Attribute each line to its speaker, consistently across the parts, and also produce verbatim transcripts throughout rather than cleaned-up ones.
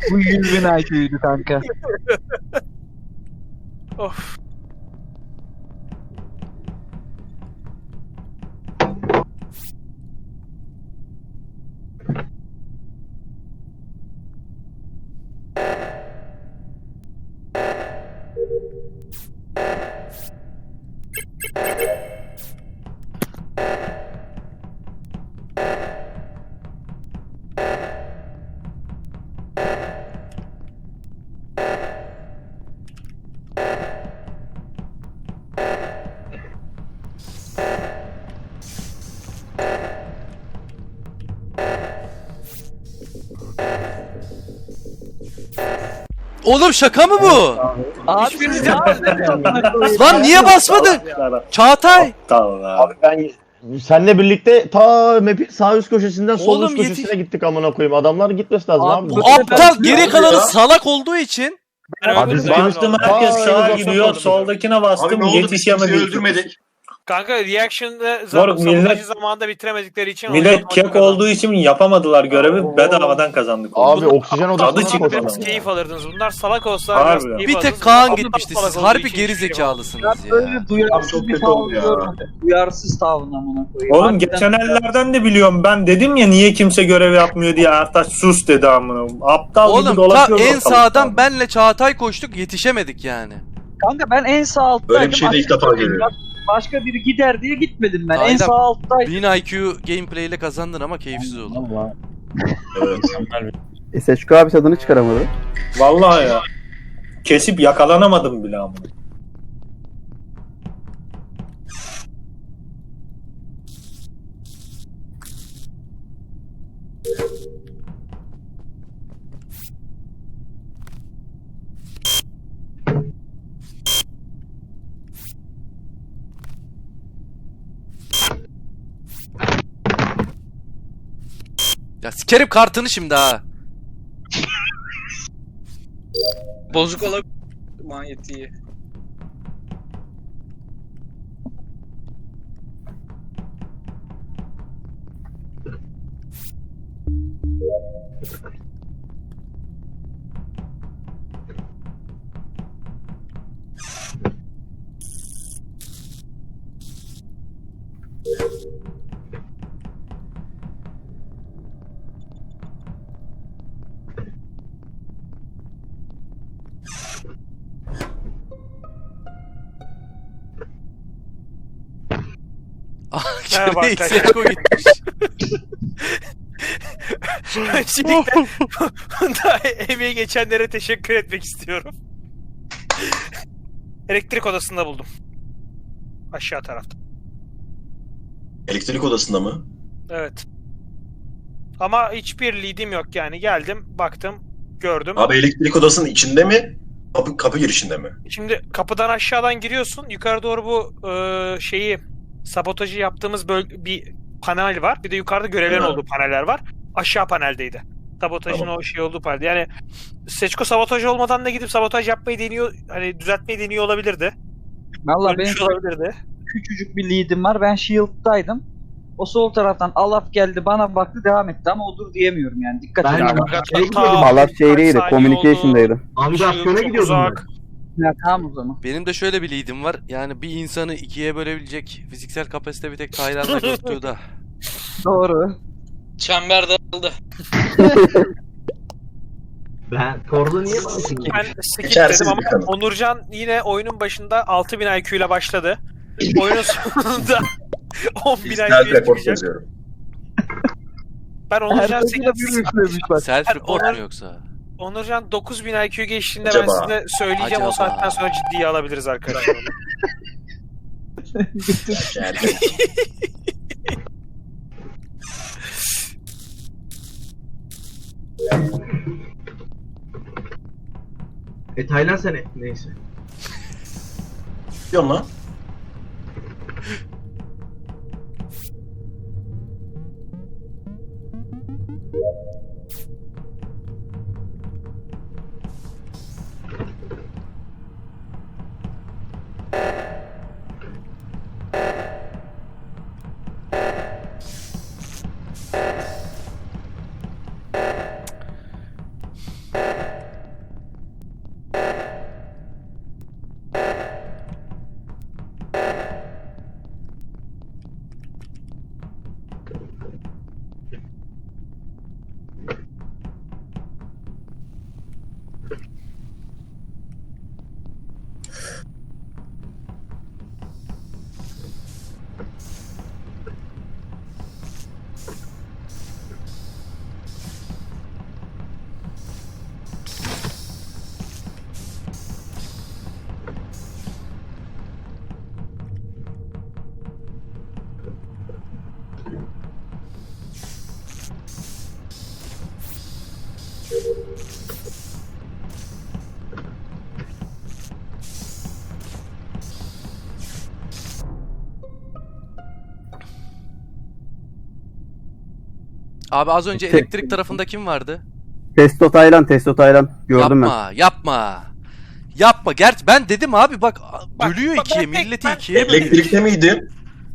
Speaker 1: Bu yüz bin I Q'ydu kanka.
Speaker 2: Of.
Speaker 3: Oğlum şaka mı bu?
Speaker 1: Abi
Speaker 2: Hiçbiriniz
Speaker 3: Lan niye basmadın? Çağatay.
Speaker 4: Abi ben senle birlikte ta map'in sağ üst köşesinden sol
Speaker 3: Oğlum
Speaker 4: üst
Speaker 3: yetiş-
Speaker 4: köşesine gittik amına koyayım. Adamlar gitmesi lazım
Speaker 1: Abi
Speaker 4: abi.
Speaker 1: bu-
Speaker 3: Bu aptal geri kalanı salak olduğu için.
Speaker 4: Abi
Speaker 5: Biz
Speaker 4: ben-
Speaker 5: bastım, herkes
Speaker 4: Aa,
Speaker 5: sağa
Speaker 4: evet,
Speaker 5: gidiyor,
Speaker 4: basalım.
Speaker 5: soldakine bastım,
Speaker 6: Abi ne oldu? Biz
Speaker 5: yetişemedik.
Speaker 6: kimseyi öldürmedik.
Speaker 2: Kanka reaction'da
Speaker 5: Moruk,
Speaker 2: sabotajı
Speaker 5: millet-
Speaker 2: zamanında bitiremedikleri için
Speaker 5: Millet
Speaker 2: oyun-
Speaker 5: kek
Speaker 2: oyun
Speaker 5: olduğu için yapamadılar görevi,
Speaker 4: Oo.
Speaker 5: bedavadan kazandık.
Speaker 4: Abi oksijen
Speaker 5: Tadı
Speaker 4: odasına
Speaker 5: çıktı.
Speaker 4: koşalım.
Speaker 2: Biraz keyif alırdınız. Bunlar salak olsa
Speaker 5: Harbi.
Speaker 2: biraz keyif
Speaker 3: Bir
Speaker 2: alırdınız.
Speaker 3: tek Kaan
Speaker 2: Bunlar
Speaker 3: gitmişti.
Speaker 2: salak
Speaker 3: Siz
Speaker 2: olduğu
Speaker 3: harbi
Speaker 2: için hiçbir
Speaker 3: geri
Speaker 2: şey yok.
Speaker 3: zekalısınız
Speaker 1: Ben
Speaker 3: ya.
Speaker 1: böyle duyarsız
Speaker 6: Abi çok
Speaker 1: bir
Speaker 6: kötü oldu
Speaker 1: tavrı
Speaker 6: ya.
Speaker 1: görmedim. Duyarsız tavrın amına koyayım.
Speaker 5: Oğlum
Speaker 1: Harbiden-
Speaker 5: geçenlerden de biliyorum, ben dedim ya niye kimse görev yapmıyor diye, Ertaş sus dedi amına. Aptal gibi
Speaker 3: Oğlum ta
Speaker 5: dolaşıyor
Speaker 3: en
Speaker 5: ortalıkta.
Speaker 3: sağdan benle Çağatay koştuk, yetişemedik yani.
Speaker 1: Kanka ben en sağ alttaydım.
Speaker 6: Böyle bir şey de ilk defa geliyor.
Speaker 1: Başka biri gider diye gitmedim ben. En
Speaker 3: Aynen.
Speaker 1: sağ alttaydım.
Speaker 3: bin I Q gameplay ile kazandın ama keyifsiz oldu.
Speaker 6: Evet.
Speaker 7: S H K abi tadını çıkaramadı.
Speaker 5: Vallahi ya. Kesip yakalanamadım bile amına.
Speaker 3: Ya sikerim kartını şimdi ha.
Speaker 8: Bozuk olabilir manyetiği.
Speaker 2: Merhaba
Speaker 3: Geri
Speaker 2: arkadaşlar.
Speaker 3: Seko gitmiş.
Speaker 2: Öncelikle bunda emeği geçenlere teşekkür etmek istiyorum. Elektrik odasında buldum. Aşağı tarafta.
Speaker 6: Elektrik odasında mı?
Speaker 2: Evet. Ama hiçbir lead'im yok yani. Geldim, baktım, gördüm.
Speaker 6: Abi elektrik odasının içinde mi? Kapı, kapı girişinde mi?
Speaker 2: Şimdi kapıdan aşağıdan giriyorsun. Yukarı doğru bu e, şeyi sabotajı yaptığımız böl- bir panel var. Bir de yukarıda görevlerin
Speaker 6: Evet.
Speaker 2: olduğu paneller var. Aşağı paneldeydi. Sabotajın
Speaker 6: Tamam.
Speaker 2: o şey olduğu panel. Yani Seçko sabotaj olmadan da gidip sabotaj yapmayı deniyor, hani düzeltmeyi deniyor olabilirdi.
Speaker 1: Valla benim
Speaker 2: Ölmüş olabilirdi.
Speaker 1: küçücük bir lead'im var. Ben shield'daydım. O sol taraftan Alaf geldi bana baktı devam etti ama odur diyemiyorum yani. Dikkat
Speaker 9: Ben-
Speaker 1: edin.
Speaker 2: Hakikaten ta
Speaker 7: Alaf
Speaker 2: birkaç
Speaker 7: şeydeydi,
Speaker 2: saniye
Speaker 7: communication'daydı.
Speaker 2: oldu.
Speaker 9: Navigasyona
Speaker 2: Çok
Speaker 9: gidiyordum ben.
Speaker 2: uzak.
Speaker 1: Ya, tamam o zaman.
Speaker 3: Benim de şöyle bir lead'im var. Yani bir insanı ikiye bölebilecek fiziksel kapasite bir tek Tayland'da Göktuğ'da.
Speaker 1: Doğru.
Speaker 8: Çember daraldı.
Speaker 9: Ben Korda niye bastım?
Speaker 2: Ben skip
Speaker 6: İçerisiz
Speaker 2: dedim ama
Speaker 6: bir kanı.
Speaker 2: Onurcan yine oyunun başında altı bin I Q ile başladı. Oyunun sonunda on bin I
Speaker 6: Self
Speaker 2: Q'ye
Speaker 6: report
Speaker 2: çıkacak.
Speaker 6: yazıyorum.
Speaker 2: Ben Onurcan,
Speaker 1: Herkese bir üflemiş bak.
Speaker 3: Self report
Speaker 2: Onlar-
Speaker 3: mu yoksa?
Speaker 2: Onurcan dokuz bin I Q geçtiğinde
Speaker 6: Acaba?
Speaker 2: ben size söyleyeceğim,
Speaker 3: Acaba?
Speaker 2: o saatten sonra ciddiye alabiliriz arkadaşlar.
Speaker 6: Yani.
Speaker 9: E Taylan sene. Neyse.
Speaker 6: Diyorsun lan.
Speaker 3: Abi az önce
Speaker 7: Tek-
Speaker 3: elektrik tarafında kim vardı?
Speaker 7: Testo Taylan, Testo Taylan. Gördüm ben.
Speaker 3: Yapma, yapma. Yapma. Gerçi ben dedim abi bak
Speaker 2: Bak,
Speaker 3: bölüyor
Speaker 2: bak,
Speaker 3: ikiye,
Speaker 2: ben tek-
Speaker 3: milleti
Speaker 2: ben-
Speaker 3: ikiye.
Speaker 6: Elektrikte miydi?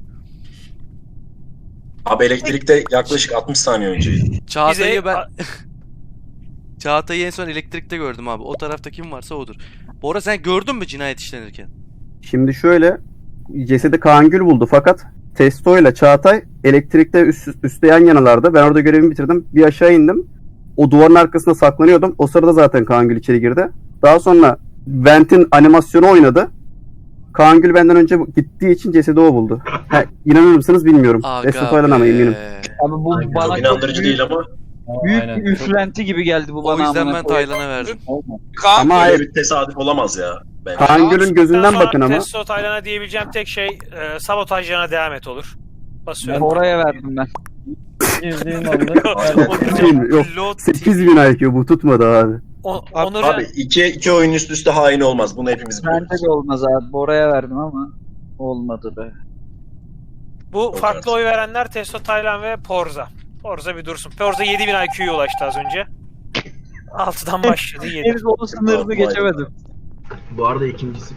Speaker 6: Abi elektrikte yaklaşık altmış saniye önceydi.
Speaker 3: Çağatay'ı
Speaker 2: Bize-
Speaker 3: ben Çağatay'ı en son elektrikte gördüm abi. O tarafta kim varsa odur. Bora sen gördün mü cinayet işlenirken?
Speaker 7: Şimdi şöyle, cesedi Kaan Gül buldu fakat Testo ile Çağatay elektrikte üst, üstte yan yanalardı. Ben orada görevimi bitirdim. Bir aşağı indim. O duvarın arkasında saklanıyordum. O sırada zaten Kaan Gül içeri girdi. Daha sonra Vent'in animasyonu oynadı. Kaan Gül benden önce gittiği için cesedi o buldu. Ha, inanır mısınız bilmiyorum. Testo
Speaker 3: Aga
Speaker 7: Taylan ama
Speaker 3: be.
Speaker 7: eminim.
Speaker 1: Abi bu bana
Speaker 6: Çok
Speaker 1: çok
Speaker 6: inandırıcı
Speaker 1: büyük,
Speaker 6: değil ama
Speaker 1: büyük
Speaker 10: Aynen.
Speaker 1: bir üflenti gibi geldi bu
Speaker 3: O
Speaker 1: bana.
Speaker 3: yüzden
Speaker 1: amına
Speaker 3: ben
Speaker 1: koyayım.
Speaker 3: Taylan'a verdim.
Speaker 8: Kaan
Speaker 7: Ama
Speaker 6: böyle
Speaker 7: hayır.
Speaker 6: bir tesadüf olamaz ya. Bence.
Speaker 7: Kaan Gül'ün gözünden
Speaker 2: Sonra
Speaker 7: bakın ama.
Speaker 2: Testo Taylan'a diyebileceğim tek şey e, sabotajlarına devam et olur. Basıyorum.
Speaker 1: Oraya verdim ben.
Speaker 10: Girdiğim anda
Speaker 7: Değil, yok.
Speaker 2: Lot-
Speaker 7: sekiz bin I Q bu tutmadı abi.
Speaker 2: O- Onurcan,
Speaker 6: Abi iki, iki oyun üst üste hain olmaz. Bunu hepimiz biliyoruz.
Speaker 1: Bence de olmaz abi. Oraya verdim ama olmadı be.
Speaker 2: bu farklı oy verenler Testo Taylan ve Porza. Porza bir dursun. Porza yedi bin I Q'ya ulaştı az önce. altıdan başladı yedi.
Speaker 1: Henüz onun sınırını geçemedim.
Speaker 9: Bu arada ikincisi.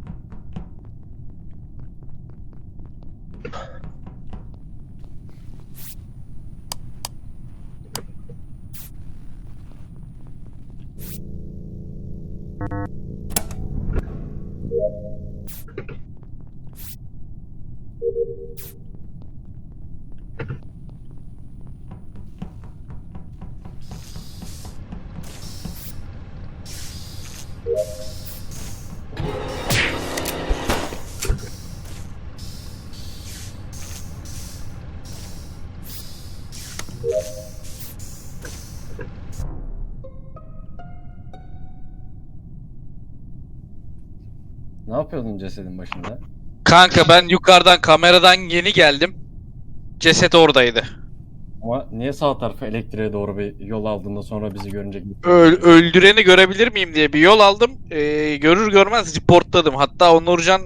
Speaker 10: ne yapıyordun cesedin başında?
Speaker 8: Kanka ben yukarıdan kameradan yeni geldim. Ceset oradaydı.
Speaker 10: Ama niye sağ tarafa elektriğe doğru bir yol aldığında sonra bizi görünce
Speaker 8: Öl- öldüreni görebilir miyim diye bir yol aldım. Ee, görür görmez reportladım. Hatta Onurcan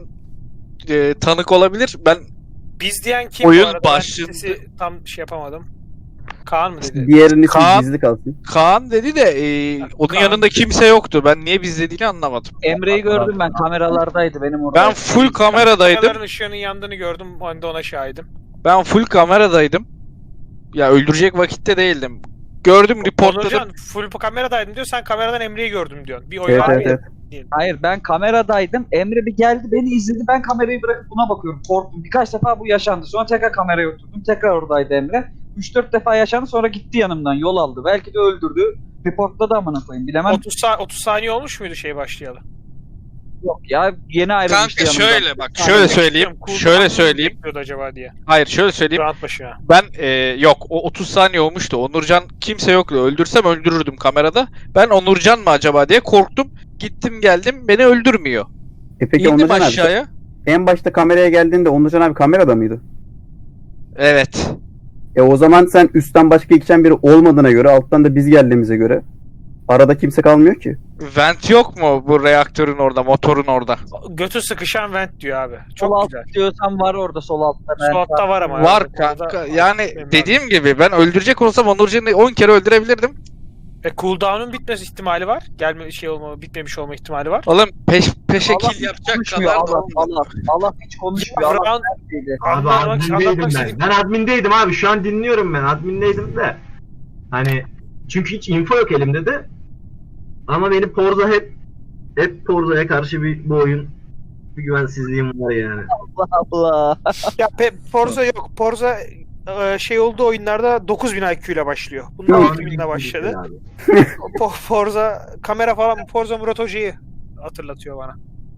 Speaker 8: e, tanık olabilir. Ben
Speaker 2: Biz diyen kim
Speaker 8: Oyun
Speaker 2: bu arada? Ben
Speaker 8: başlığında-
Speaker 2: sesi tam şey yapamadım. Kaan mı dedi?
Speaker 7: Diğerinin ismi
Speaker 8: Kaan-
Speaker 7: gizli kalsın.
Speaker 8: Kaan dedi de e, onun
Speaker 2: Kaan.
Speaker 8: yanında kimse yoktu. Ben niye biz dediğini anlamadım.
Speaker 1: Emre'yi gördüm ben. Kameralardaydı benim orada.
Speaker 8: Ben full kameradaydım.
Speaker 2: Kameraların ışığının yandığını gördüm. Ben de ona şahidim.
Speaker 8: Ben full kameradaydım. Ya öldürecek vakitte değildim. Gördüm, reportladım.
Speaker 2: Onurcan full kameradaydım diyor. Sen kameradan Emre'yi gördüm diyorsun. Bir oy
Speaker 7: Evet
Speaker 2: var
Speaker 7: evet
Speaker 2: mı?
Speaker 7: evet.
Speaker 1: Hayır ben kameradaydım. Emre bir geldi beni izledi. Ben kamerayı bırakıp buna bakıyorum. Korktum. Birkaç defa bu yaşandı. Sonra tekrar kameraya oturdum. Tekrar oradaydı Emre. üç dört defa yaşandı sonra gitti yanımdan. Yol aldı. Belki de öldürdü. Reportladı amına koyayım. Bilemem.
Speaker 2: otuz, sa- otuz saniye olmuş muydu şey başlayalı?
Speaker 1: Yok ya yeni ayrılmıştı
Speaker 8: Kanka
Speaker 1: yanımdan.
Speaker 8: şöyle bak, şöyle söyleyeyim.
Speaker 2: Cooldown
Speaker 8: Şöyle
Speaker 2: mı
Speaker 8: söyleyeyim.
Speaker 2: bekliyordu acaba diye.
Speaker 8: Hayır, şöyle söyleyeyim.
Speaker 2: Round başı ya.
Speaker 8: Ben e, yok o otuz saniye olmuştu. Onurcan kimse yoktu. Öldürsem öldürürdüm kamerada. Ben Onurcan mı acaba diye korktum. Gittim geldim, beni öldürmüyor.
Speaker 7: E peki
Speaker 8: İndim
Speaker 7: Onurcan abi,
Speaker 8: aşağıya.
Speaker 7: en başta kameraya geldiğinde Onurcan abi kamerada mıydı?
Speaker 8: Evet.
Speaker 7: E o zaman sen üstten başka geçen biri olmadığına göre, alttan da biz geldiğimize göre arada kimse kalmıyor ki.
Speaker 8: Vent yok mu bu reaktörün orada, motorun orada?
Speaker 2: Götü sıkışan vent diyor abi.
Speaker 1: Sol
Speaker 2: Çok
Speaker 1: alt
Speaker 2: güzel.
Speaker 1: diyorsan var orada sol altta. Ben
Speaker 2: Sol altta var ama.
Speaker 8: Var
Speaker 2: Evet,
Speaker 8: kanka.
Speaker 2: orada-
Speaker 8: Yani
Speaker 2: Benim
Speaker 8: dediğim gibi ben öldürecek olsam Onurcan'ı on kere öldürebilirdim.
Speaker 2: E cooldown'un bitmesi ihtimali var. Gelme şey olma, bitmemiş olma ihtimali var.
Speaker 8: Oğlum peş peşe
Speaker 1: Allah
Speaker 8: kill yapacak
Speaker 1: konuşmuyor,
Speaker 8: kadar da
Speaker 1: Allah,
Speaker 8: olmadı.
Speaker 1: Allah, Allah hiç konuşmuyor. Allah
Speaker 2: Round,
Speaker 1: neredeydi?
Speaker 9: Abi
Speaker 2: anlatmak,
Speaker 9: admindeydim
Speaker 2: anlatmak
Speaker 9: ben.
Speaker 2: istedik.
Speaker 9: Ben admindeydim abi. Şu an dinliyorum ben. Admindeydim de. Hani çünkü hiç info yok elimde de. Ama benim Porza hep hep Porza'ya karşı bir bu oyun bir güvensizliğim var yani.
Speaker 1: Allah Allah.
Speaker 2: Ya pe- Forza yok. Forza e, şey olduğu oyunlarda dokuz bin I Q ile başlıyor. Bunlar
Speaker 7: Yok.
Speaker 2: altı bin ile başladı.
Speaker 9: Abi.
Speaker 2: Po- Forza kamera falan Forza Murat Hoca'yı hatırlatıyor bana.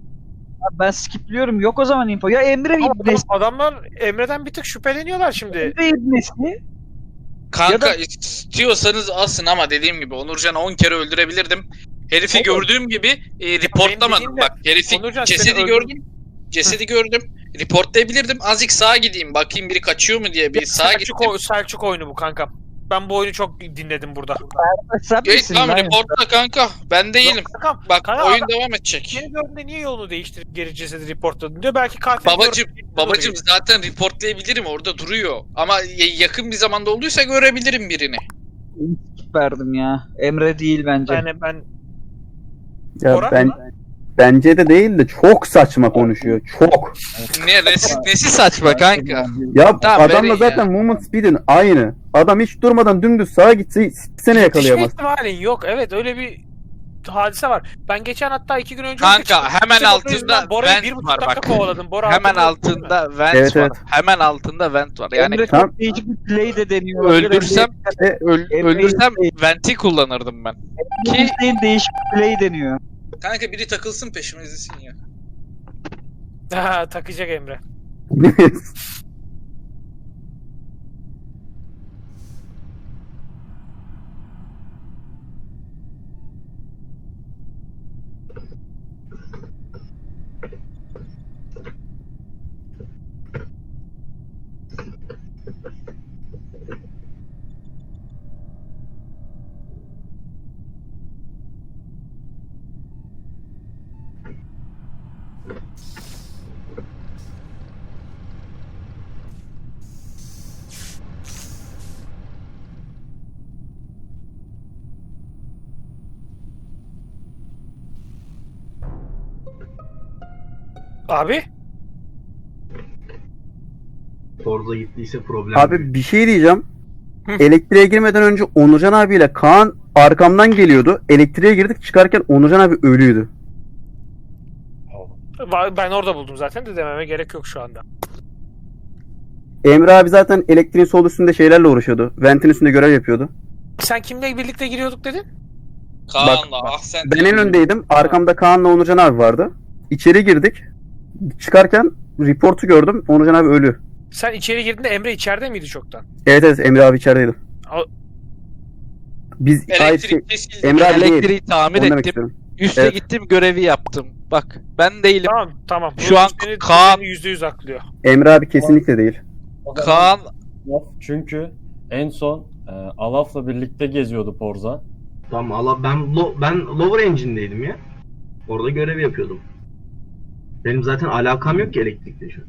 Speaker 1: Ben skipliyorum. Yok o zaman info. Ya Emre
Speaker 2: Ama
Speaker 1: ibnesi.
Speaker 2: adamlar Emre'den bir tık şüpheleniyorlar şimdi.
Speaker 1: Emre ibnesi.
Speaker 8: Kanka
Speaker 1: Ya da-
Speaker 8: istiyorsanız asın ama dediğim gibi Onurcan'ı on kere öldürebilirdim. Herifi
Speaker 2: Olur.
Speaker 8: gördüğüm gibi e, reportlamadım.
Speaker 2: dediğim de-
Speaker 8: Bak herifi
Speaker 2: Onurcan,
Speaker 8: cesedi
Speaker 2: seni
Speaker 8: gördüm. Cesedi gördüm. Reportlayabilirdim. Azıcık sağa gideyim. Bakayım biri kaçıyor mu diye bir
Speaker 2: Ya
Speaker 8: sağa
Speaker 2: Selçuk,
Speaker 8: gittim.
Speaker 2: o- Selçuk oyunu bu kankam. Ben bu oyunu çok dinledim burada.
Speaker 1: Sen
Speaker 8: Geç
Speaker 1: misin
Speaker 8: tamam
Speaker 1: lan?
Speaker 8: reportla kanka. Ben değilim.
Speaker 2: Yok, kankam,
Speaker 8: Bak
Speaker 2: kanka,
Speaker 8: oyun
Speaker 2: adam-
Speaker 8: devam edecek.
Speaker 2: Yeni gördüğünde niye yolunu değiştirip geri cesedi reportladın diyor. Belki katil
Speaker 8: Babacım,
Speaker 2: gördü-
Speaker 8: babacım zaten reportlayabilirim orada duruyor. Ama y- yakın bir zamanda olduysa görebilirim birini.
Speaker 1: Verdim ya. Emre değil bence.
Speaker 2: Yani ben
Speaker 7: Ya
Speaker 2: Orhan
Speaker 7: ben
Speaker 2: mı?
Speaker 7: bence de değil de çok saçma konuşuyor. Çok.
Speaker 8: Ne nesi, nesi saçma kanka?
Speaker 7: Ya
Speaker 8: Tamam,
Speaker 7: adamla
Speaker 8: verin
Speaker 7: zaten movement speed'in aynı. Adam hiç durmadan dümdüz sağa gitse sene yakalayamaz.
Speaker 2: Yetişme ihtimalin yok. Evet öyle bir hadise var. Ben geçen hatta iki gün önce
Speaker 8: Kanka,
Speaker 2: çıktım.
Speaker 8: hemen
Speaker 2: İşte Bora
Speaker 8: altında
Speaker 2: yüzünden Bora'yı
Speaker 8: vent
Speaker 2: bir buçuk
Speaker 8: var
Speaker 2: dakika
Speaker 8: bak.
Speaker 2: kovaladım. Bora
Speaker 8: Hemen
Speaker 2: hatırlıyor, değil mi?
Speaker 8: altında vent
Speaker 7: Evet,
Speaker 8: var.
Speaker 7: evet.
Speaker 8: Hemen altında vent var. Yani
Speaker 1: Emre
Speaker 7: Tamam.
Speaker 1: çok değişik bir play de deniyor.
Speaker 8: öldürsem
Speaker 1: Emre-
Speaker 8: öl-
Speaker 1: Emre-
Speaker 8: öldürsem venti kullanırdım ben. Ki
Speaker 1: Emre'nin değişik bir play deniyor.
Speaker 8: kanka biri takılsın peşime izlesin ya.
Speaker 2: Ha, takacak Emre. Abi
Speaker 9: Forza gittiyse problem.
Speaker 7: Abi bir şey diyeceğim.
Speaker 2: Hı.
Speaker 7: Elektriğe girmeden önce Onurcan abiyle Kaan arkamdan geliyordu. Elektriğe girdik çıkarken Onurcan abi ölüydü.
Speaker 2: va- ben orada buldum zaten de dememe gerek yok şu anda.
Speaker 7: Emre abi zaten elektriğin sol üstünde şeylerle uğraşıyordu. Ventin üstünde görev yapıyordu.
Speaker 2: Sen kimle birlikte giriyorduk dedin?
Speaker 8: Kaan'la ah sen.
Speaker 7: Ben en öndeydim. Arkamda Kaan'la Onurcan abi vardı. İçeri girdik. Çıkarken reportu gördüm. Onurcan abi ölü.
Speaker 2: Sen içeri girdiğinde Emre içeride miydi çoktan?
Speaker 7: Evet evet Emre abi içerideydi.
Speaker 2: O-
Speaker 7: Biz hayır, şey,
Speaker 8: Elektrik kesildi.
Speaker 7: Emre abi değil.
Speaker 8: Elektriği tamir
Speaker 7: Onu demek
Speaker 8: ettim.
Speaker 7: istiyorum.
Speaker 8: Üste
Speaker 7: Evet.
Speaker 8: gittim görevi yaptım. Bak ben değilim.
Speaker 2: Tamam tamam.
Speaker 8: Şu
Speaker 2: Bu
Speaker 8: an
Speaker 2: seni-
Speaker 8: Kaan-
Speaker 2: seni yüzde yüz aklıyor.
Speaker 7: Emre abi kesinlikle değil.
Speaker 10: O zaman-
Speaker 8: Kaan
Speaker 10: Çünkü en son e, Alaf'la birlikte geziyordu Forza.
Speaker 9: Tamam Allah ben lo, ben lower engine'deydim ya. Orada görev yapıyordum. Benim zaten alakam yok ki elektrikle şu an.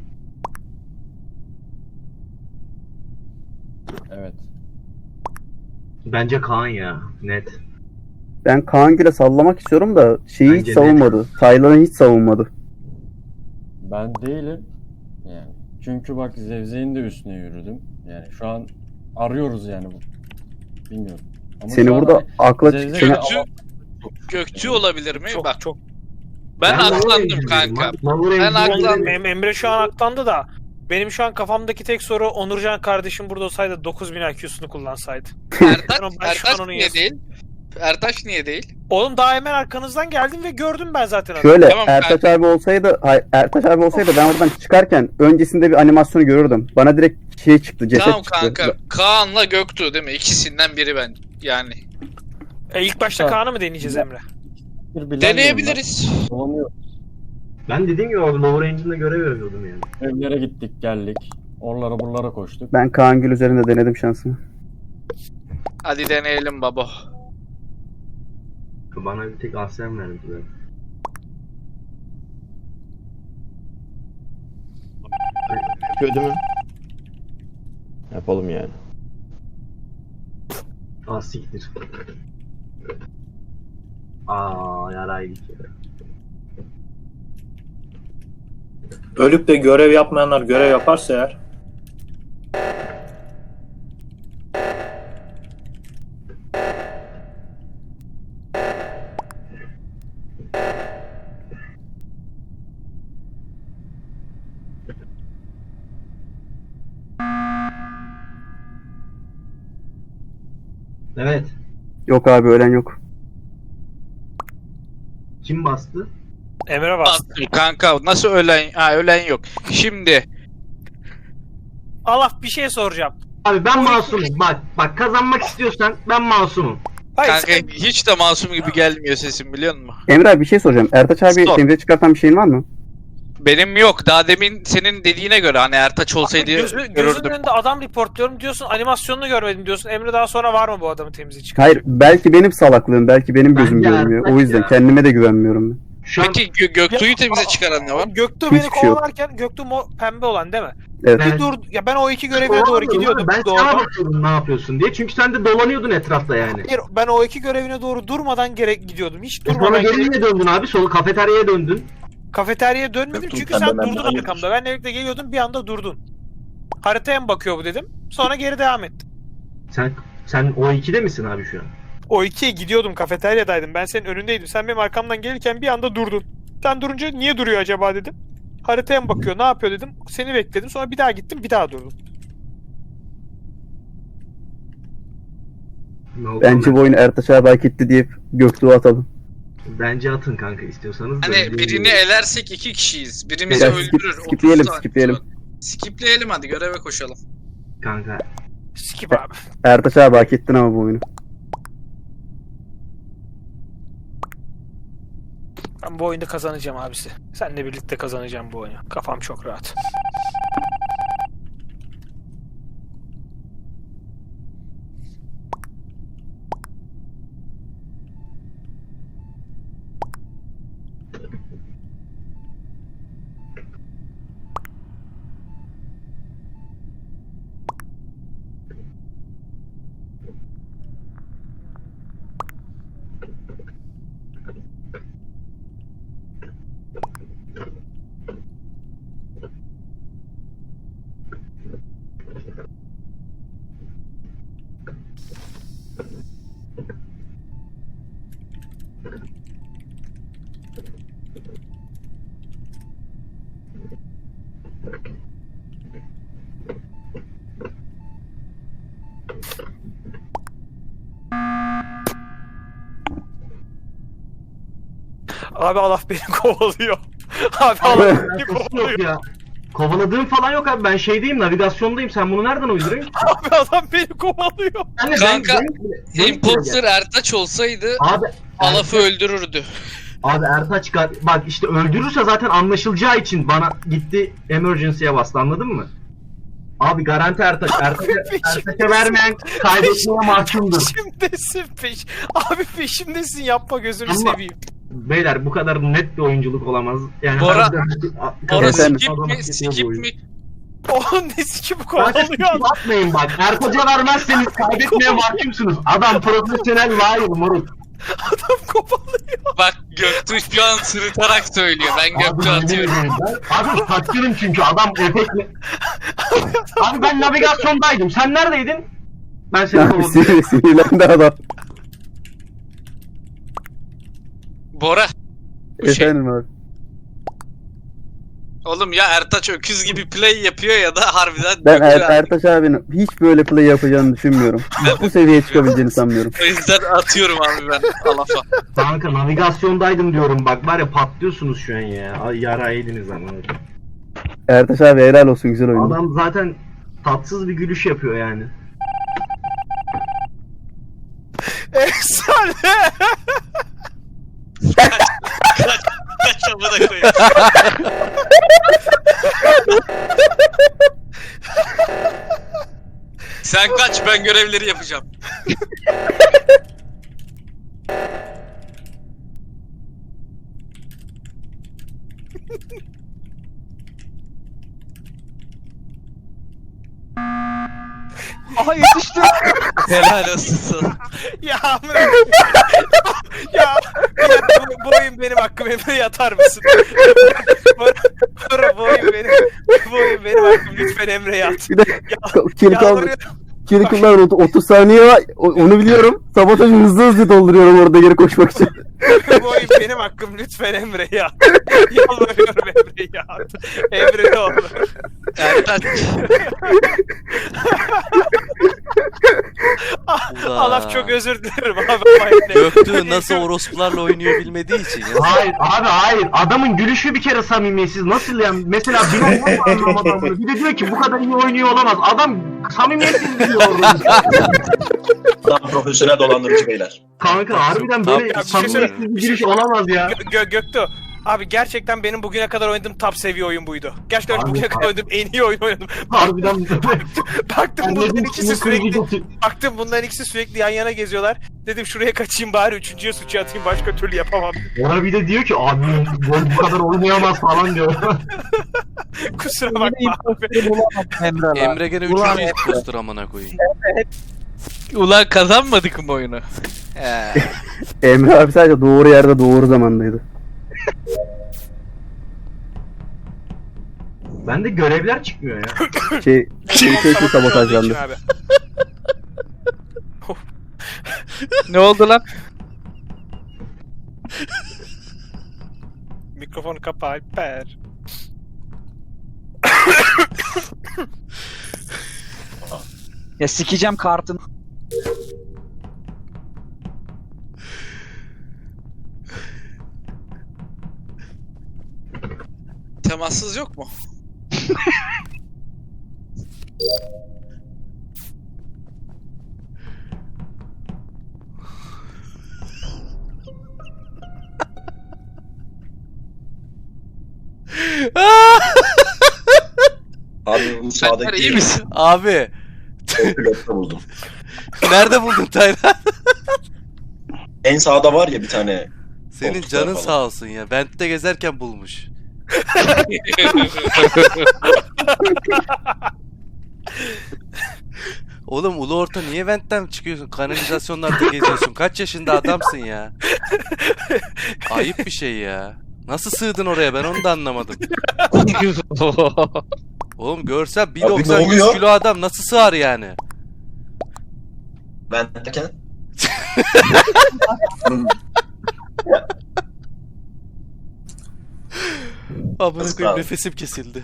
Speaker 10: Evet.
Speaker 9: Bence Kaan ya. Net.
Speaker 7: Ben Kaan Gül'e sallamak istiyorum da şeyi
Speaker 9: Bence
Speaker 7: hiç
Speaker 9: de.
Speaker 7: savunmadı. Taylan'ı hiç savunmadı.
Speaker 10: Ben değilim. Yani çünkü bak Zevzek'in de üstüne yürüdüm. Yani şu an arıyoruz yani bu. Bilmiyorum. Ama
Speaker 7: Seni
Speaker 10: şu an
Speaker 7: burada
Speaker 10: hani
Speaker 7: akla
Speaker 10: Zevzek
Speaker 7: seni,
Speaker 10: de
Speaker 8: Gökçü-
Speaker 10: Alaf-
Speaker 8: Gökçü olabilir mi?
Speaker 2: Çok
Speaker 8: Bak
Speaker 2: çok.
Speaker 8: ben
Speaker 9: lower
Speaker 8: aklandım
Speaker 9: engine'deydim
Speaker 8: kanka.
Speaker 9: abi. Lower
Speaker 8: Ben
Speaker 9: engine'deydim.
Speaker 8: aklandım.
Speaker 2: Em- Emre şu an aklandı da benim şu an kafamdaki tek soru Onurcan kardeşim burada olsaydı dokuz bin I Q'sunu kullansaydı.
Speaker 8: Ertaş,
Speaker 2: Ben- ben şu an
Speaker 8: Ertaş
Speaker 2: onu
Speaker 8: niye
Speaker 2: yazdım.
Speaker 8: değil? Ertaş niye değil?
Speaker 2: Oğlum daha hemen arkanızdan geldim ve gördüm ben zaten adamı.
Speaker 7: şöyle
Speaker 8: Tamam,
Speaker 7: Ertaş abi olsaydı hay, Ertaş abi olsaydı ben oradan çıkarken öncesinde bir animasyonu görürdüm. Bana direkt şey çıktı, ceset
Speaker 8: Tamam
Speaker 7: çıktı.
Speaker 8: kanka. Kaan'la Göktuğ değil mi? İkisinden biri ben. Yani.
Speaker 2: E, ilk başta
Speaker 10: Tamam.
Speaker 2: Kaan'ı mı deneyeceğiz Emre?
Speaker 10: bir bilen
Speaker 8: Deneyebiliriz.
Speaker 10: miyim ben? Dolanıyor.
Speaker 9: Ben dediğim gibi orada lower engine'de görev yapıyordum yani.
Speaker 10: Evlere gittik geldik. Oralara buralara koştuk.
Speaker 7: Ben Kaan Gül üzerinde denedim şansımı.
Speaker 8: Hadi deneyelim baba.
Speaker 9: Bana bir tek Aslen verdiler.
Speaker 4: Kötü mü? Yapalım yani.
Speaker 9: Aa siktir. Aa yaraydık ya.
Speaker 5: Ölüp de görev yapmayanlar görev yaparsa eğer.
Speaker 9: Evet.
Speaker 7: Yok abi ölen yok.
Speaker 9: Kim bastı?
Speaker 2: Emre bastı.
Speaker 8: Bastım kanka. Nasıl ölen? Ha ölen yok. Şimdi.
Speaker 2: Allah bir şey soracağım.
Speaker 9: Abi ben masumum. Bak bak kazanmak istiyorsan ben masumum.
Speaker 2: Hayır
Speaker 8: Kanka
Speaker 2: sen-
Speaker 8: hiç de masum gibi gelmiyor sesim biliyor musun?
Speaker 7: Emre abi bir şey soracağım. Ertaç abi
Speaker 8: Sor.
Speaker 7: temizliğe çıkartan bir şeyin var mı?
Speaker 8: Benim yok. Daha demin senin dediğine göre hani Ertaç olsaydı
Speaker 2: Gözü, gözünün
Speaker 8: görürdüm.
Speaker 2: önünde adam reportluyorum diyorsun, animasyonunu görmedim diyorsun. Emre daha sonra var mı bu adamı temize çıkar?
Speaker 7: Hayır, belki benim salaklığım, belki benim gözüm
Speaker 9: Bence
Speaker 7: görmüyor.
Speaker 9: Ertaç
Speaker 7: O yüzden
Speaker 9: ya.
Speaker 7: kendime de güvenmiyorum ben.
Speaker 9: Şu an
Speaker 8: Peki Gö- Göktuğ'u
Speaker 2: Ya-
Speaker 8: temize çıkaran ne var?
Speaker 2: Göktuğ
Speaker 7: Hiçbir
Speaker 2: beni
Speaker 7: şey yok.
Speaker 2: kovalarken, Göktuğ mo- pembe olan değil mi?
Speaker 7: Evet.
Speaker 2: Bir dur, ya ben o iki görevine doğru gidiyordum.
Speaker 9: Ben
Speaker 2: doğru.
Speaker 9: sana bakıyordum ne yapıyorsun diye. Çünkü sen de dolanıyordun etrafta yani.
Speaker 2: Hayır, ben o iki görevine doğru durmadan gerek gidiyordum. Hiç
Speaker 9: E sonra
Speaker 2: durmadan
Speaker 9: geri
Speaker 2: gerek...
Speaker 9: niye döndün abi? Solu kafeteryaya döndün.
Speaker 2: Kafeteryaya dönmedim
Speaker 6: Göktuğ,
Speaker 2: çünkü
Speaker 6: sen
Speaker 2: sen
Speaker 6: de benden
Speaker 2: durdun
Speaker 6: hayırdır.
Speaker 2: arkamda. Benle birlikte geliyordun, bir anda durdun. Haritaya mı bakıyor bu dedim. Sonra geri devam ettim.
Speaker 9: Sen sen o ikide misin abi şu an?
Speaker 2: O ikiye gidiyordum, kafeteryadaydım. Ben senin önündeydim. Sen benim arkamdan gelirken bir anda durdun. Sen durunca niye duruyor acaba dedim. Haritaya mı bakıyor, ne yapıyor dedim. Seni bekledim. Sonra bir daha gittim, bir daha durdum.
Speaker 9: Ne oldu
Speaker 7: Bence
Speaker 9: ben-
Speaker 7: bu oyunu Ertaç abi hak etti deyip Göktuğ'u atalım.
Speaker 9: Bence atın kanka istiyorsanız. da
Speaker 8: Hani
Speaker 9: dediğim
Speaker 8: birini
Speaker 9: gibi.
Speaker 8: elersek iki kişiyiz. Birimizi
Speaker 7: Ya, skip-
Speaker 8: öldürür.
Speaker 7: skipleyelim,
Speaker 8: otuz saat
Speaker 7: skipleyelim.
Speaker 8: sonra. Skipleyelim hadi göreve koşalım.
Speaker 9: Kanka.
Speaker 2: Skip abi.
Speaker 7: Ertaç abi hak ettin ama bu oyunu.
Speaker 2: Ben bu oyunda kazanacağım abisi. Seninle birlikte kazanacağım bu oyunu. Kafam çok rahat. Abi Allah beni kovalıyor. Abi Allah beni
Speaker 9: Alakası
Speaker 2: kovalıyor.
Speaker 9: yok ya. Kovaladığım falan yok abi. Ben şeydeyim, navigasyondayım. Sen bunu nereden uyduruyorsun?
Speaker 2: Abi adam beni kovalıyor.
Speaker 9: Ben de-
Speaker 8: Kanka,
Speaker 9: ben- ben-
Speaker 8: Imposter Ertaç olsaydı
Speaker 9: Abi
Speaker 8: Alaf'ı öldürürdü.
Speaker 9: Abi Ertaç gar- bak işte öldürürse zaten anlaşılacağı için bana gitti emergency'ye bastı, anladın mı? Abi garanti Ertaç. Ertaç'a Ertaç'a vermeyen kaybetmeye mahkumdur.
Speaker 2: Peşimdesin peş. Abi peşimdesin, yapma gözünü
Speaker 9: Ama-
Speaker 2: seveyim.
Speaker 9: Beyler bu kadar net bir oyunculuk olamaz. Yani
Speaker 8: Bora-
Speaker 9: harbiden-
Speaker 8: Bora
Speaker 7: Efendim?
Speaker 8: skip
Speaker 9: Adam
Speaker 8: mi?
Speaker 9: hak ediyor bu
Speaker 8: Skip
Speaker 9: oyunu.
Speaker 8: mi?
Speaker 2: Onun nesi ki bu
Speaker 9: Kanka
Speaker 2: kovalıyor?
Speaker 9: skip atmayın bak. Ertaç'a vermezseniz kaybetmeye mahkumsunuz. Adam profesyonel liar moruk.
Speaker 2: Adam kovalıyor.
Speaker 8: Bak Göktuğ şu an sırıtarak söylüyor. Ben Göktuğ'u
Speaker 9: Abi,
Speaker 8: atıyorum.
Speaker 9: yemin ederim ben- Abi taktırım çünkü adam efektle. Abi ben navigasyondaydım. Sen neredeydin? Ben seni
Speaker 7: Abi
Speaker 9: kovaladım.
Speaker 7: sinir, sinirlendi adam.
Speaker 8: Bora. Bu şey.
Speaker 7: Efendim abi.
Speaker 8: Oğlum ya Ertaç öküz gibi play yapıyor ya da harbiden
Speaker 7: Ben
Speaker 8: Göktuğ
Speaker 7: er, Ertaç abinin hiç böyle play yapacağını düşünmüyorum. Bu seviyeye çıkabileceğini sanmıyorum.
Speaker 8: O yüzden atıyorum abi ben Alaf'a.
Speaker 9: Kanka navigasyondaydım diyorum bak, var ya patlıyorsunuz şu an ya. Ay yara yediniz ama.
Speaker 7: Ertaç abi helal olsun, güzel oyun.
Speaker 9: Adam zaten tatsız bir gülüş yapıyor yani.
Speaker 2: Efsane.
Speaker 8: Kaç amına koyayım. Sen kaç, ben görevleri yapacağım.
Speaker 1: Aha yetiştim.
Speaker 8: Helal olsun sana.
Speaker 2: Ya amına. Ya, ya bu, bu oyun benim hakkım, Emre yatar mısın? Bora, Bora, bu oyun benim. Bu oyun benim hakkım, lütfen Emre yat.
Speaker 7: Bir de kill kaldı.
Speaker 2: Yalvarıyorum.
Speaker 7: Kill kullan otuz saniye var. O- Onu biliyorum. Sabotajı hızlı hızlı dolduruyorum orada geri koşmak için.
Speaker 2: Bu oyun benim hakkım, lütfen Emre yat. Yalvarıyorum Emre yat. Emre ne olur.
Speaker 8: Ertaç.
Speaker 2: Allah çok özür dilerim abi. ama yine-
Speaker 3: Göktuğ nasıl orospularla oynuyor bilmediği için ya.
Speaker 9: Hayır abi hayır. Adamın gülüşü bir kere samimiyetsiz. Nasıl yani? Mesela bir oyun anlamadım bunu. Bir de diyor ki bu kadar iyi oynuyor olamaz. Adam samimiyetsiz diyor orada.
Speaker 6: Adam profesyonel dolandırıcı beyler.
Speaker 9: Kanka harbiden
Speaker 3: Tamam.
Speaker 9: böyle
Speaker 2: Ya bir şey
Speaker 9: samimiyetsiz
Speaker 2: söyleyeyim.
Speaker 9: bir giriş olamaz ya.
Speaker 2: Gö- Gö- Göktuğ, Abi gerçekten benim bugüne kadar oynadığım top seviye oyun buydu. Gerçekten
Speaker 9: Abi,
Speaker 2: bugüne kadar oynadığım en iyi oyun oynadım.
Speaker 9: Harbiden
Speaker 2: Baktım
Speaker 9: Ben
Speaker 2: bunların
Speaker 9: dedim,
Speaker 2: ikisi
Speaker 9: sınır
Speaker 2: sürekli
Speaker 9: sürücü-
Speaker 2: baktım bunların ikisi sürekli yan yana geziyorlar. Dedim şuraya kaçayım bari üçüncüye suçu atayım başka türlü yapamam.
Speaker 9: Ona bir de diyor ki abi bu kadar oynayamaz falan diyor.
Speaker 2: Kusura
Speaker 1: Yine
Speaker 2: bakma abi.
Speaker 1: impostörü bulamadım Emre lan.
Speaker 3: Emre gene
Speaker 1: Ulan
Speaker 3: üçüncü impostor amına koyayım.
Speaker 8: Ulan kazanmadık mı oyunu? He.
Speaker 7: Emre abi sadece doğru yerde doğru zamandaydı.
Speaker 9: Bende görevler çıkmıyor ya.
Speaker 7: Şey, şey, şey, şey sabotajlandı.
Speaker 2: Abi.
Speaker 8: Ne oldu lan?
Speaker 2: Mikrofonu kapa Alper.
Speaker 1: Ya sikeceğim kartını.
Speaker 8: Temassız yok mu?
Speaker 6: Abi bu
Speaker 8: Alper
Speaker 6: sağdaki
Speaker 8: iyi misin?
Speaker 3: Abi
Speaker 6: pilotta buldum.
Speaker 3: nerede buldun Taylan?
Speaker 6: En sağda var ya bir tane.
Speaker 3: Senin
Speaker 6: Koltuklar
Speaker 3: canın
Speaker 6: falan.
Speaker 3: sağ olsun ya. Vent'te gezerken bulmuş. Oğlum ulu orta niye Vent'ten çıkıyorsun? Kanalizasyonlarda geziyorsun. Kaç yaşında adamsın ya? Ayıp bir şey ya. Nasıl sığdın oraya ben onu da anlamadım. Oğlum görsen bir
Speaker 6: Abi ne
Speaker 3: doksan yüz
Speaker 6: oluyor?
Speaker 3: kilo adam nasıl sığar yani?
Speaker 6: Ben derken.
Speaker 3: Amına
Speaker 6: Nasıl
Speaker 3: koyayım
Speaker 6: abi?
Speaker 3: nefesim kesildi.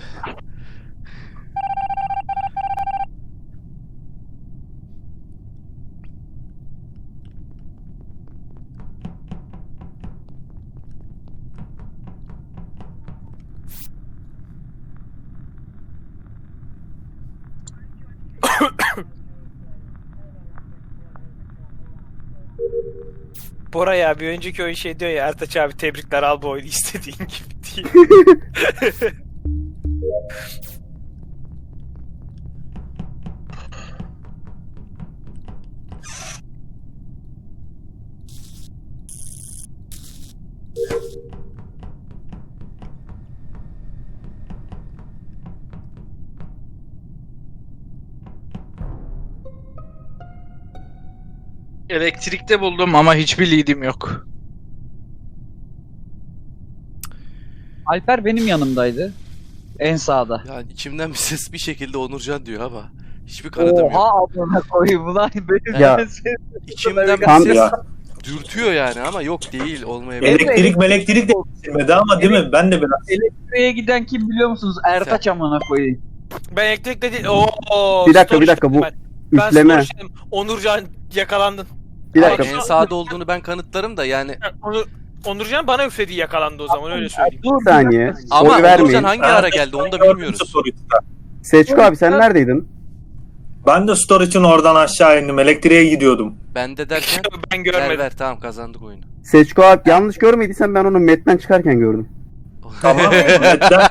Speaker 2: Bora ya bir önceki oyun şey diyor ya Ertaç abi tebrikler al bu oyunu istediğin gibi diye.
Speaker 8: Elektrikte buldum ama hiçbir lead'im yok.
Speaker 1: Alper benim yanımdaydı. En sağda.
Speaker 3: Yani içimden bir ses bir şekilde Onurcan diyor ama hiçbir kanıtım yok.
Speaker 1: Oha amına koyayım ulan benim
Speaker 7: Ya.
Speaker 1: ben seni-
Speaker 3: İçimden bir
Speaker 7: Tam-
Speaker 3: ses
Speaker 5: Ya.
Speaker 3: dürtüyor yani ama yok değil olmayabilir.
Speaker 5: Elektrik elektrik de geçirmedi ama değil mi? Ben de biraz.
Speaker 1: Elektriğe giden kim biliyor musunuz? Ertaç amına koyayım.
Speaker 2: Ben elektrikle değil. Oo,
Speaker 7: Bir dakika,
Speaker 2: story
Speaker 7: bir dakika, bu
Speaker 2: dedim ben. Ben
Speaker 7: Üfleme.
Speaker 2: story dedim. Onurcan yakalandın.
Speaker 7: Bir
Speaker 3: Hayır,
Speaker 7: dakika.
Speaker 3: en sağda olduğunu ben kanıtlarım da yani
Speaker 2: Onur, Onurcan bana üflediği yakalandı o zaman öyle söyleyeyim.
Speaker 1: Dur
Speaker 7: Bir saniye.
Speaker 3: ama
Speaker 7: Oy
Speaker 3: Onurcan
Speaker 7: vermeyin.
Speaker 3: hangi ara geldi onu da bilmiyoruz.
Speaker 7: Seçko abi sen neredeydin?
Speaker 5: Ben de storage'ın oradan aşağı indim. Elektriğe gidiyordum.
Speaker 3: Ben de derken
Speaker 2: Ben
Speaker 3: ver
Speaker 2: görmedim.
Speaker 3: ver tamam kazandık oyunu.
Speaker 7: Seçko abi yanlış görmediysen ben onu Met'ten çıkarken gördüm.
Speaker 5: Tamam. Medden,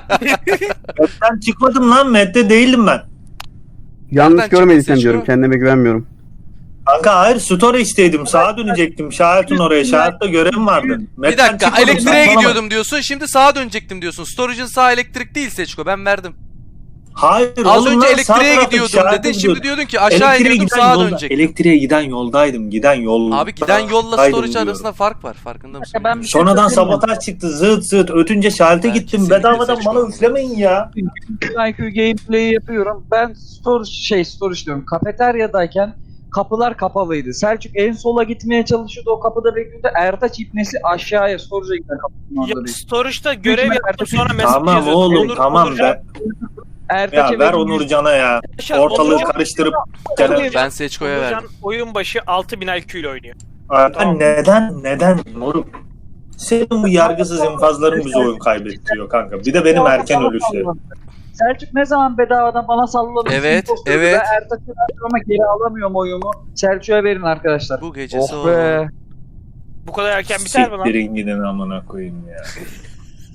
Speaker 5: Medden çıkmadım lan. Medde değildim ben.
Speaker 7: Yanlış
Speaker 3: çıktı
Speaker 7: görmediysem
Speaker 3: Seçko?
Speaker 7: diyorum kendime güvenmiyorum.
Speaker 5: Kanka hayır storage'deydim. Sağa dönecektim. Şahit'in oraya. Şahit'te görevim vardı.
Speaker 3: Bir
Speaker 5: Medden
Speaker 3: dakika
Speaker 5: çıkmadım,
Speaker 3: elektriğe
Speaker 5: saçmalama.
Speaker 3: gidiyordum diyorsun şimdi sağa dönecektim diyorsun. Storage'ın sağ elektrik değil Seçko ben verdim.
Speaker 5: Hayır
Speaker 3: Az
Speaker 5: oğlum
Speaker 3: önce
Speaker 5: lan, sağ
Speaker 3: elektriğe
Speaker 5: taraftaki
Speaker 3: gidiyordum
Speaker 5: şahite
Speaker 3: dedin şimdi
Speaker 5: gidiyordum.
Speaker 3: diyordun ki aşağı
Speaker 5: Elektriğe
Speaker 3: iniyordum
Speaker 5: giden
Speaker 3: sağa
Speaker 5: yolda-
Speaker 3: dönecektim.
Speaker 5: Elektriğe giden yoldaydım. Giden yol.
Speaker 3: Abi giden yolla
Speaker 5: Daydım
Speaker 3: storage
Speaker 5: diyorum.
Speaker 3: arasında fark var farkında mısın?
Speaker 1: Ben bir şey
Speaker 5: Sonradan
Speaker 1: söyleyeyim mi?
Speaker 5: sabotaj çıktı. Zıt zıt. Ötünce şahite
Speaker 3: Ben
Speaker 5: gittim.
Speaker 3: kesinlikle
Speaker 5: Bedavadan
Speaker 3: seçmem
Speaker 5: bana
Speaker 3: bunu.
Speaker 5: üflemeyin ya.
Speaker 1: I Q gameplay'i yapıyorum. Ben storage şey storage diyorum. Kafeteryadayken kapılar kapalıydı. Selçuk en sola gitmeye çalışıyordu. O kapıda bekliyordu. Ertaç ipnesi aşağıya storage'a giden kapının
Speaker 2: Ya
Speaker 1: orada bekliyordu.
Speaker 2: storage'da görev
Speaker 1: Büyük
Speaker 2: yaptım
Speaker 1: mertebe-
Speaker 2: sonra mesaj
Speaker 5: Tamam
Speaker 2: yazıyordum.
Speaker 5: oğlum
Speaker 2: Onur-
Speaker 5: tamam
Speaker 2: Onurcan-
Speaker 5: ben.
Speaker 1: Ertaç'a
Speaker 5: Ya ver
Speaker 1: benim
Speaker 5: Onurcan'a ya.
Speaker 2: Arkadaşlar,
Speaker 5: Ortalığı
Speaker 2: Onurcan-
Speaker 5: karıştırıp
Speaker 2: Onurcan-
Speaker 5: gene.
Speaker 3: Ben Seçko'ya
Speaker 2: Onurcan
Speaker 3: verdim.
Speaker 2: oyun başı altı bin I Q ile oynuyor.
Speaker 5: Abi
Speaker 2: Tamam.
Speaker 5: neden neden moruk? Senin bu yargısız infazların bizi oyun kaybettiriyor kanka. Bir de benim erken ölüşlerim.
Speaker 1: Selçuk ne zaman bedavadan bana salladı?
Speaker 3: Evet,
Speaker 1: Imposter'ı
Speaker 3: evet.
Speaker 1: Ben Ertaç'a verdim ama geri alamıyorum oyumu. Selçuk'a verin arkadaşlar.
Speaker 3: Bu gecesi
Speaker 1: Oh
Speaker 3: o.
Speaker 1: be.
Speaker 2: Bu kadar erken biter mi lan?
Speaker 5: Siktirin gidin amına koyayım ya.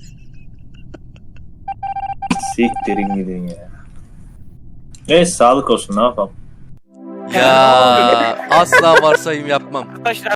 Speaker 5: Siktirin gidin ya. Neyse sağlık olsun ne yapalım.
Speaker 3: Ya asla varsayım yapmam.
Speaker 2: Arkadaşlar